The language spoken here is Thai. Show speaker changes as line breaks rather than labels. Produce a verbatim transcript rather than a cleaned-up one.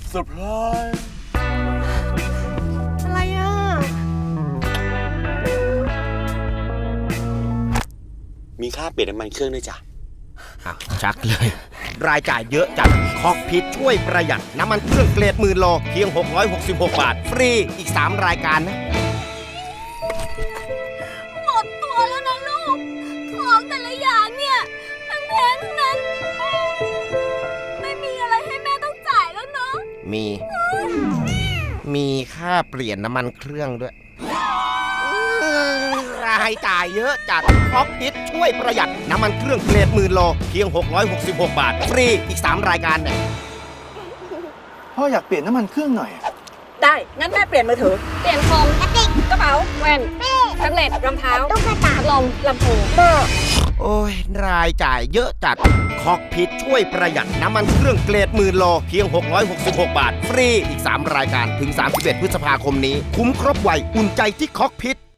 เซอร์ไพรส์
อะไรอ่ะ
มีค่าเปลี่ยนน้ำมันเครื่องด้วยจ้ะ
อ้าวชักเลย รายจ่ายเยอะจัดคอกพิทช่วยประหยัดน้ำมันเครื่องเกรดหมื่นโลเพียงหกร้อยหกสิบหกบาทฟรีอีกสามรายการนะ
หมดตัวแล้วนะลูก ของแต่ละอย่างเนี่ยมันแพงทั้งนั้น ไม่มีอะไรให้แม่ต้องจ่ายแล้วเนาะ
มี มีค่าเปลี่ยนน้ำมันเครื่องด้วย รายจ่ายเยอะจัดคอกพิทช่วยประหยัดน้ำมันเครื่องเกรดหมื่นโลเพียงหกร้อยหกสิบหกบาทฟรีอีกสามรายการเนี่ย
พ่ออยากเปลี่ยนน้ำมันเครื่องหน่อย
ได้ งั้นแม่เปลี่ยนมือถือ
เปลี่ยนคอมกระติก
กระเป๋า
แว่นแท็บเล็ตรองเท้าตุ๊กตาลมลำโพง
โอ้ยรายจ่ายเยอะจัดคอกพิทช่วยประหยัดน้ำมันเครื่องเกรดหมื่นโลเพียงหกร้อยหกสิบหกบาทฟรีอีกสามรายการถึงสามสิบเอ็ดพฤษภาคมนี้คุ้มครบไวอุ่นใจที่คอกพิท